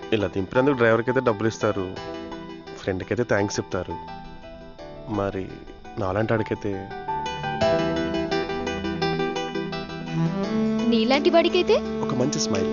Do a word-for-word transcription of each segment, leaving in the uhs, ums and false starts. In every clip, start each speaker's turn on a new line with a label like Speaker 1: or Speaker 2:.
Speaker 1: ఇలా దింపినందుకు డ్రైవర్కి అయితే డబ్బులు ఇస్తారు, ఫ్రెండ్కి అయితే థ్యాంక్స్ చెప్తారు. మరి నాలాంటి వాడికైతే
Speaker 2: నీలాంటి వాడికైతే
Speaker 1: ఒక మంచి స్మైల్,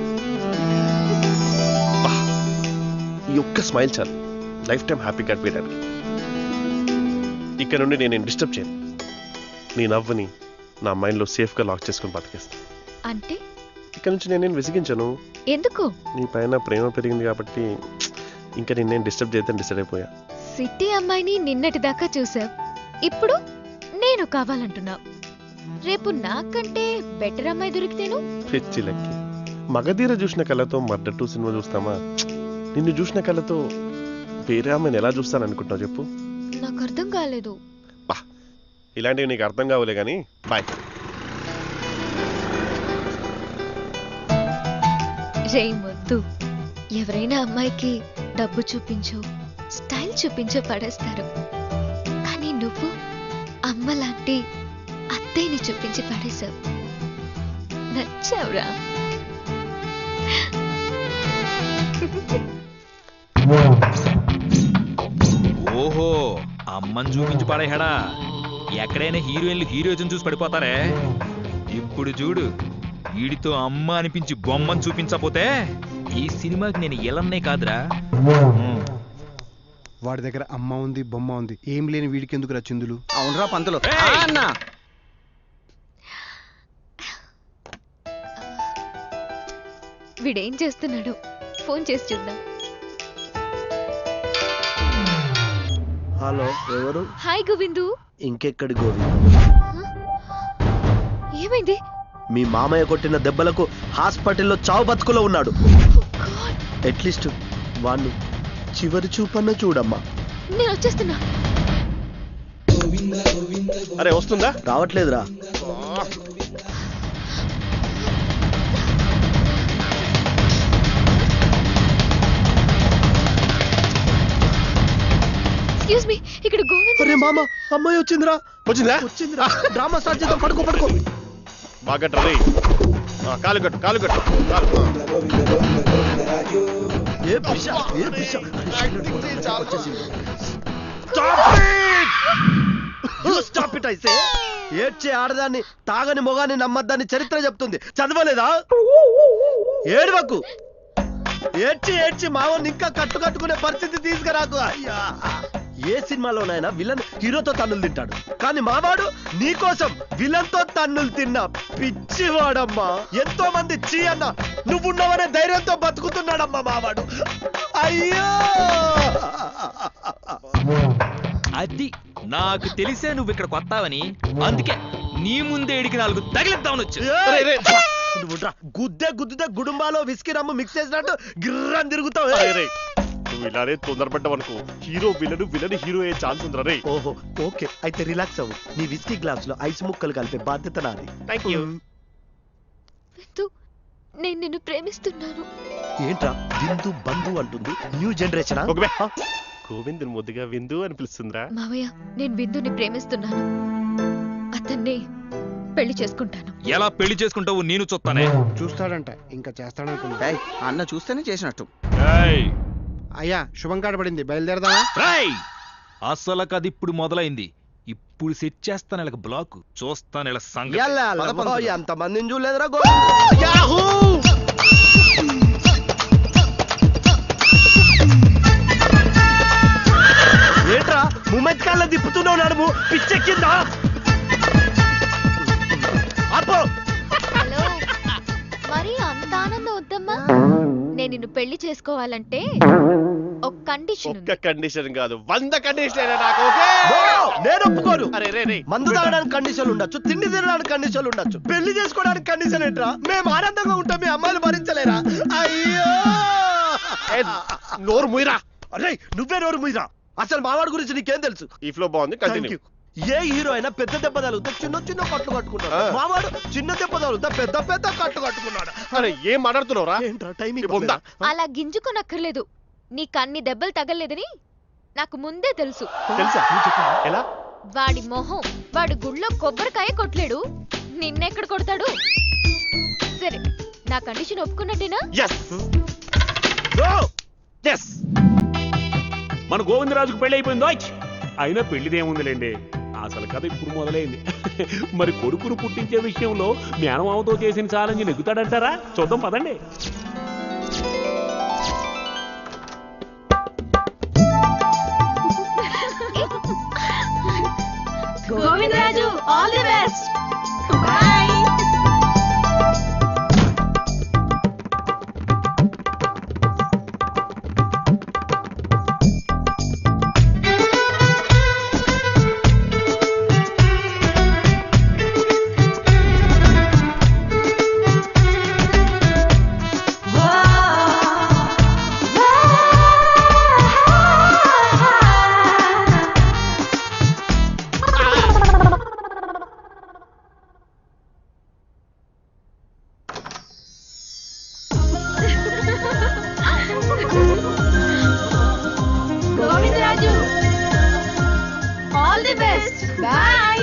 Speaker 1: ఈ ఒక్క స్మైల్ చాలు లైఫ్ టైం హ్యాపీ గడిపేయడానికి. ఇక్కడ నుండి నేను డిస్టర్బ్ చేయను, నీ నవ్వుని నా మైండ్లో సేఫ్గా లాక్ చేసుకుని బతికేస్తాను.
Speaker 2: అంటే
Speaker 1: ఇక్కడ నుంచి నేనేం విసిగించను.
Speaker 2: ఎందుకు?
Speaker 1: నీ పైన ప్రేమ పెరిగింది కాబట్టి ఇంకా నేనేం డిస్టర్బ్ చేద్దాం డిసైడ్ అయిపోయా.
Speaker 2: సిటీ అమ్మాయిని నిన్నటి దాకా చూసావు, ఇప్పుడు నేను కావాలంటున్నావు. రేపు నాకంటే బెటర్ అమ్మాయి దొరికితేను
Speaker 1: పిచ్చి లెక్కి మగధీర చూసిన కళ్ళతో మర్డర్ టూ సినిమా చూస్తామా? నిన్ను చూసిన కళ్ళతో వేరే అమ్మాయిని ఎలా చూస్తాననుకుంటున్నావు చెప్పు?
Speaker 2: నాకు అర్థం కాలేదు.
Speaker 1: బా ఇలాంటివి నీకు అర్థం కావులే కానీ బాయ్.
Speaker 2: రే మొద్దు, ఎవరైనా అమ్మాయికి డబ్బు చూపించో స్టైల్ చూపించో పడేస్తారు, కానీ నువ్వు అమ్మ లాంటి అత్తయ్యని చూపించి పడేశావు. నచ్చావురా.
Speaker 3: ఓహో, అమ్మని చూపించి పడేహాడా? ఎక్కడైనా హీరోయిన్లు హీరోయిజం చూసి పడిపోతారే. ఇప్పుడు చూడు, వీడితో అమ్మ అనిపించి బొమ్మని చూపించకపోతే ఈ సినిమాకి నేను ఎలన్నే కాదురా.
Speaker 4: వాడి దగ్గర అమ్మ ఉంది, బొమ్మ ఉంది, ఏం లేని వీడికి ఎందుకు రా చిందులు?
Speaker 5: అవునరా పంతులు.
Speaker 2: వీడేం చేస్తున్నాడు? ఫోన్ చేసి చూద్దాం.
Speaker 5: హలో, ఎవరు?
Speaker 2: హాయ్ గోవిందు.
Speaker 5: ఇంకెక్కడి గోవిందు?
Speaker 2: ఏమైంది?
Speaker 5: మీ మామయ్య కొట్టిన దెబ్బలకు హాస్పిటల్లో చావు బతుకులో ఉన్నాడు. అట్లీస్ట్ వాణ్ణి చివరి చూపన్న చూడమ్మా.
Speaker 2: నేను వచ్చేస్తున్నా.
Speaker 1: అరే వస్తుందా?
Speaker 5: రావట్లేదురా.
Speaker 2: ఎక్స్క్యూజ్ మీ, ఇక్కడ గోవింద్.
Speaker 5: అరే మామ, అమ్మాయి వచ్చిందిరా.
Speaker 1: వచ్చిందా?
Speaker 5: వచ్చిందిరా. డ్రామా స్టార్ట్ చేద్దాం. పడుకో పడుకో.
Speaker 1: బాగా రే, కాలు కట్టు కాలు కట్టు కాలు.
Speaker 5: ఏ పిశ, ఏ పిశ. Stop it I say. ఏడ్చే ఆడదాన్ని తాగని మొగాన్ని నమ్మద్దాన్ని చరిత్ర చెప్తుంది. చదవలేదా? ఏడవకు. ఏడ్చి ఏడ్చి మావని ఇంకా కట్టు కట్టుకునే పరిస్థితి తీసుకురాకు. అయ్యా, ఏ సినిమాలోనైనా విలన్ హీరోతో తన్నులు తింటాడు, కానీ మావాడు నీకోసం విలన్ తో తన్నులు తిన్నా పిచ్చివాడమ్మా. ఎంతో మంది చీ అన్న నువ్వున్నవనే ధైర్యంతో బతుకుతున్నాడమ్మా మావాడు. అయ్యో,
Speaker 3: అది నాకు తెలిసే నువ్వు ఇక్కడ కొత్తావని, అందుకే నీ ముందే ఇడికి నాలుగు తగిలిద్దామని వచ్చు.
Speaker 5: గుద్దే గుద్దుదే గుడుంబాలో విస్కీ రమ్ము మిక్స్ చేసినట్టు గిర్రని తిరుగుతావు.
Speaker 1: నువ్వు ఇలానే తొందరపడ్డావు అనుకో, హీరో విలన్ విలన్ హీరో అయ్యే ఛాన్స్ ఉందిరా రే.
Speaker 5: ఓహో, ఓకే, అయితే రిలాక్స్ అవ్వు. నీ విస్కీ గ్లాస్ లో ఐస్ ముక్కలు కలిపే బాధ్యత నాది.
Speaker 1: Thank you.
Speaker 2: విందు, నేను నిన్ను ప్రేమిస్తున్నాను.
Speaker 5: ఏంట్రా విందు బంధు అంటుంది? New generation.
Speaker 1: గోవిందుని ముద్దుగా విందు అని పిలుస్తుందిరా.
Speaker 2: మావయ్య, నేను విందుని ప్రేమిస్తున్నాను. అతన్ని పెళ్లి చేసుకుంటాను.
Speaker 3: ఎలా పెళ్లి చేసుకుంటావు నేను చూస్తానే.
Speaker 4: చూస్తాడంట, ఇంకా చేస్తాడనుకున్నా.
Speaker 6: అన్న చూస్తేనే చేసినట్టు.
Speaker 4: అయ్యా, శుభం కాడబడింది, బయలుదేరదామా?
Speaker 3: అసలు కది ఇప్పుడు మొదలైంది. ఇప్పుడు సెట్ చేస్తాను ఇలా బ్లాక్, చూస్తాను ఇలా సంగతి.
Speaker 5: ఎంత మందిని చూడలేదురా. ఏంట్రా ముమ్మెత్ కాళ్ళ తిప్పుతున్నావు నడుము పిచ్చెక్కిందా? అప్పో,
Speaker 2: హలో, మరి అంత ఆనందం వద్దమ్మా. నేను నిన్ను పెళ్లి చేసుకోవాలంటే ఒక కండిషన్
Speaker 1: ఒక్క కండిషన్ కాదు, వంద కండిషన్ నాకు. ఓకే,
Speaker 5: నేను ఒప్పుకోను.
Speaker 1: అరే రే రే,
Speaker 5: మందు తాగడానికి కండిషన్లు ఉండొచ్చు, తిండి తినడానికి కండిషన్లు ఉండొచ్చు, పెళ్లి చేసుకోవడానికి కండిషన్ ఏంట్రా? మేము ఆనందంగా ఉంటాం, మీ అమ్మాయిలు భరించలేరా? అయ్యో,
Speaker 1: నోరు ముయిరా.
Speaker 5: అరే నువ్వే నోరు ముయిరా. అసలు మావాడి గురించి నీకేం తెలుసు?
Speaker 1: ఈ ఫ్లో బాగుంది, కంటిన్యూ.
Speaker 5: ఏ హీరో అయినా పెద్ద దెబ్బ తగులుతా చిన్న చిన్న కట్లు కట్టుకున్నాడు. మావాడు చిన్న దెబ్బ తగులుతా పెద్ద పెద్ద కట్లు కట్టుకున్నాడు.
Speaker 1: అరే ఏం మాట్లాడుతున్నావురా?
Speaker 5: ఏంట్రా టైమింగ్?
Speaker 2: అలా గింజుకోనక్కర్లేదు. నీకు అన్ని దెబ్బలు తగలేదని నాకు ముందే తెలుసు.
Speaker 1: తెలుసా? ఎలా?
Speaker 2: వాడి మొహం, వాడి గుళ్ళో కొబ్బరికాయ కొట్టలేడు, నిన్నెక్కడ కొడతాడు? సరే, నా కండిషన్ ఒప్పుకున్నట్టేనా?
Speaker 1: ఎస్
Speaker 6: మన గోవిందరాజుకు పెళ్లి అయిపోయిందో అయినా పెళ్లిదేముందిలేండి, అసలు కథ ఇప్పుడు మొదలైంది. మరి కొడుకును పుట్టించే విషయంలో మేనమామతో చేసిన ఛాలెంజ్ నెగ్గుతాడంటారా? చూద్దాం పదండి.
Speaker 2: Govindaraju all the best. Bye. Govindaraju all the best. Bye.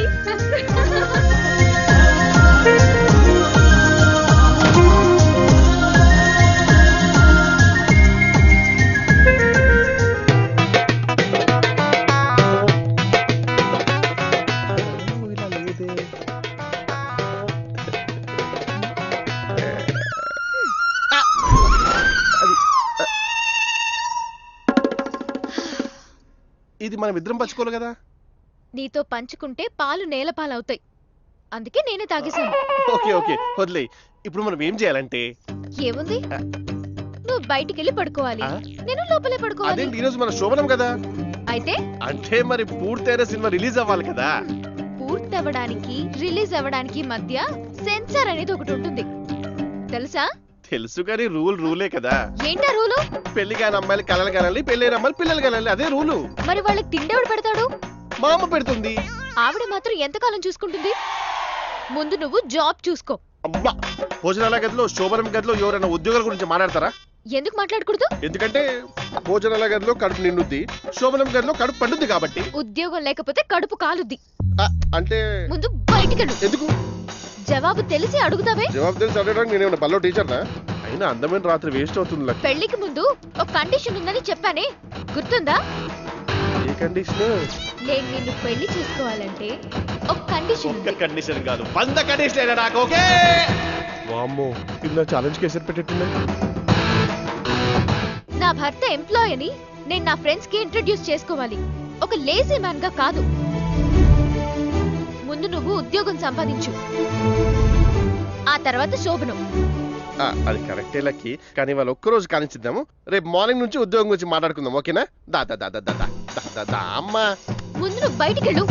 Speaker 1: ఇది మనం ఇద్దరం పంచుకోవాలి కదా.
Speaker 2: నీతో పంచుకుంటే పాలు నేల పాలవుతాయి, అందుకే నేనే తాగేశాను.
Speaker 1: ఓకే ఓకే వదిలే. ఇప్పుడు మనం ఏం చేయాలంటే,
Speaker 2: ఏముంది, నువ్వు బయటికి వెళ్ళి పడుకోవాలి,
Speaker 1: ఆ?
Speaker 2: నేను లోపలే పడుకోవాలి.
Speaker 1: అదేంటి ఈ రోజు మన శోభనం కదా.
Speaker 2: అయితే
Speaker 1: అంటే మరి పూర్తయిన సినిమా రిలీజ్ అవ్వాలి కదా.
Speaker 2: పూర్తి అవ్వడానికి రిలీజ్ అవ్వడానికి మధ్య సెన్సార్ అనేది ఒకటి ఉంటుంది, తెలుసా?
Speaker 1: తెలుసు కానీ రూల్ రూలే కదా.
Speaker 2: ఏంటా రూలు?
Speaker 1: పెళ్లి కాని అమ్మాయిలు కలలు కనాలి, పెళ్ళైన అమ్మాయిలు పిల్లలు కనాలి, అదే రూలు.
Speaker 2: మరి వాళ్ళకి తిండేవాడు పెడతాడు?
Speaker 1: మా అమ్మ పెడుతుంది.
Speaker 2: ఆవిడ మాత్రం ఎంతకాలం చూసుకుంటుంది? ముందు నువ్వు జాబ్ చూసుకో.
Speaker 1: అమ్మా, భోజనాల గదిలో శోభనం గదిలో ఎవరైనా ఉద్యోగాల గురించి మాట్లాడతారా?
Speaker 2: ఎందుకు మాట్లాడకూడదు?
Speaker 1: ఎందుకంటే భోజనాల గదిలో కడుపు నిండుద్ది, శోభనం గదిలో కడుపు పండుద్ది కాబట్టి.
Speaker 2: ఉద్యోగం లేకపోతే కడుపు కాలుద్ది.
Speaker 1: ఆ, అంటే
Speaker 2: ముందు బయటికెళ్ళు.
Speaker 1: ఎందుకు?
Speaker 2: జవాబు తెలిసి అడుగుతావే.
Speaker 1: జవాబు తెలిసి అడగడానికి నేనేమన్నా బల్లో టీచర్నా? అయినా అందమైన రాత్రి వేస్ట్ అవుతుంది లక్ష్మి.
Speaker 2: పెళ్లికి ముందు ఒక కండిషన్ ఉందని చెప్పానే, గుర్తుందా?
Speaker 1: ఏ కండిషన్?
Speaker 2: నేను నిన్ను పెళ్లి చేసుకోవాలంటే ఒక కండిషన్
Speaker 1: ఒక్క
Speaker 2: ఉంది.
Speaker 1: కండిషన్ కాదు, వంద కండిషన్ నాకు. ఓకే. వామ్మో, ఇలా ఛాలెంజ్ కేసరి పెట్టేట్టున్నా.
Speaker 2: నా భర్త ఎంప్లాయ్ అని నేను నా ఫ్రెండ్స్ కి ఇంట్రడ్యూస్ చేసుకోవాలి, ఒక లేజీ మ్యాన్ గా కాదు. ముందు నువ్వు ఉద్యోగం సంపాదించు, ఆ తర్వాత శోభనం.
Speaker 1: ఆ, అది కరెక్టే లక్కి, కానీ వాళ్ళు ఒక్కరోజు కానిచ్చిద్దాము. రేపు మార్నింగ్ నుంచి ఉద్యోగం గురించి మాట్లాడుకుందాం, ఓకేనా? దా దా దా దా దా దా దా దా దా అమ్మా.
Speaker 2: ముందు నువ్వు బయటికెళ్ళు.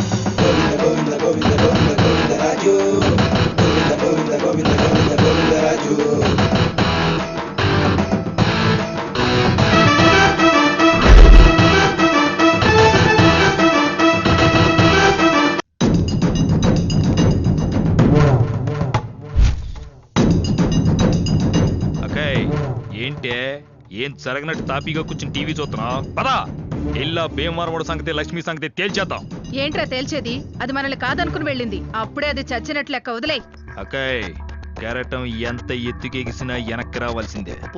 Speaker 3: అక్కయ్ ఏంటే ఏం జరగనట్టు తాపీగా కూర్చుని టీవీ చూస్తున్నా? పదా ఎల్లా భీమవరం సంగతి లక్ష్మి సంగతి తేల్చేద్దాం.
Speaker 7: ఏంట్రా తేల్చేది? అది మనల్ని కాదనుకుని వెళ్ళింది, అప్పుడే అది చచ్చినట్లు లెక్క. వదిలే.
Speaker 3: అక్కయ్ కెరటం ఎంత ఎత్తుకెగిసినా వెనక్కి రావాల్సిందే.